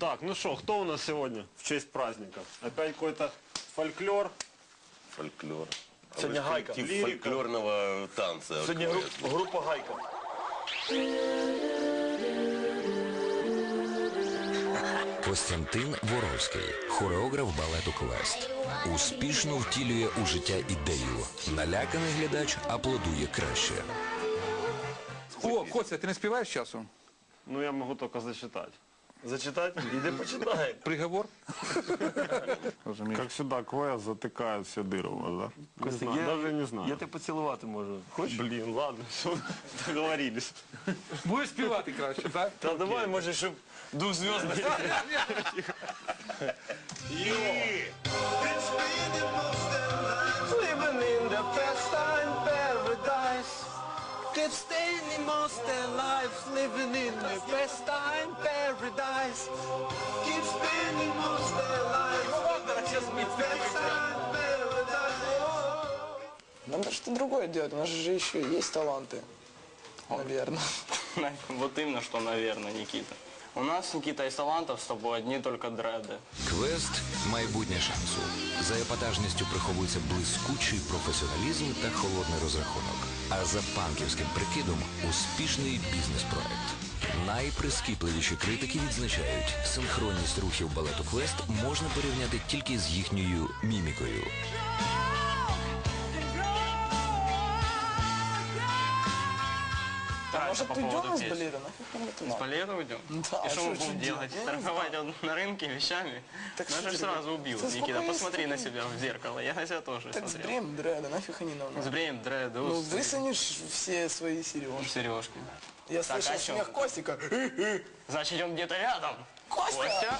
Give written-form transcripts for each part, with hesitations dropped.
Так, ну что, кто у нас сегодня в честь праздника? Опять какой-то фольклор? Фольклор. Сегодня гайка. Коллектив фольклорного танца. Сегодня группа гайка. Костянтин Воровський, хореограф балету «Квест». Успішно втілює у життя ідею. Наляканий глядач аплодує краще. О, Костя, ти не співаєш часом? Ну, я могу только зачитать. Зачитать? Иди почитай. Приговор? Розумію. Как всегда, квест затыкает все дыры у вас, да? Костя, даже не знаю. Я тебе поцілувати можу. Хочеш? Блин, ладно, все, договорились. Будеш співати краще, так? Та давай, може, щоб дух зв'язний. Living in the pastime paradise. Keep spending most their lives living in the pastime paradise. Keep spending most their lives living in the pastime paradise. Надо что-то другое делать, у нас же еще есть таланты, наверное. Вот именно, что, наверное, Никита. У нас, Никита, из талантов с тобой одни только дреды. «Квест» – майбутнє шансу. За епатажністю приховується блискучий професіоналізм та холодний розрахунок. А за панківським прикидом – успішний бізнес-проект. Найприскіпливіші критики відзначають, синхронність рухів балету «Квест» можна порівняти тільки з їхньою мімікою. Да, Может, это по уйдем поводу из песни. балета? Нафиг нам это С надо? балета уйдем? Да, И а что мы что будем же делать? делать? Я не Торговать на рынке вещами? Так Нас что же тебе? сразу убьют. Да Никита, спокойно, посмотри на спокойно. себя в зеркало. Я на себя тоже Так смотрел. сбреем дреды, нафиг они нам надо? Сбреем дреды, Ну, высунешь все свои сережки. сережки. Я Так, слышал о чем смех ты? Костика. Значит, он где-то рядом. Костя! Костя?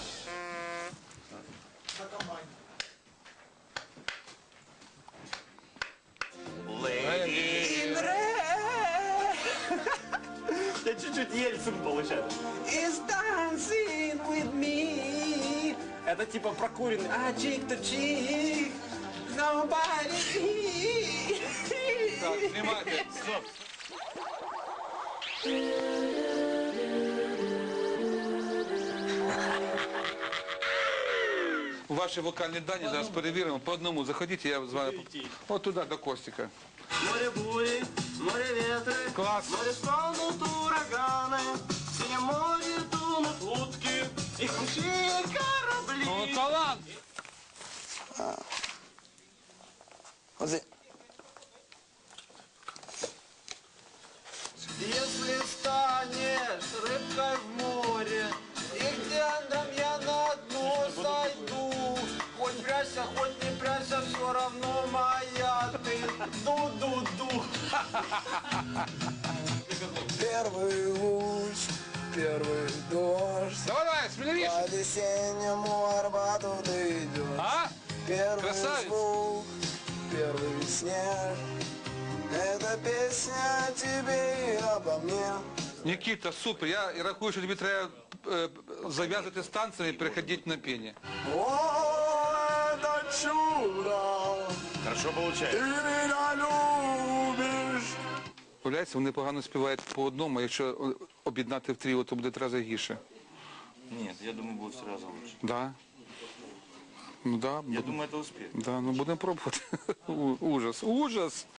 Я чуть-чуть Ельцин получается. Is dancing with me. Это типа прокуренный. А cheek to cheek. Nobody. Так, знімайте. Ваші вокальні дані зараз перевіримо. По одному заходіть, я з вами... От туди, до Костика. Море бури, море ветры, Класс. море стонут ураганы, в синем море тонут лодки, их большие корабли. О, талант! Вот здесь. Если станешь рыбкой в море, и где я на дно сойду, хоть прячься, хоть не прячься, все равно моя ты. Ду-ду-ду. Первый луч, первый дождь. Давай, давай, смелее! По весеннему Арбату ты идешь. А? Первый Красавец. звук, первый снег. Это песня о тебе и обо мне. Нікіта, супер. Я рахую, що тобі треба зав'язати з танцями і переходити на пені. О, это чудо, Хорошо ты получается. меня любишь. Уявляється, вони погано співають по одному, а якщо об'єднати в тріо, то буде 3 рази гірше. Нет, я думаю, будет сразу лучше. Да? Ну да. Я думаю, это успех. Да, ну будемо пробувати. Ужас, ужас.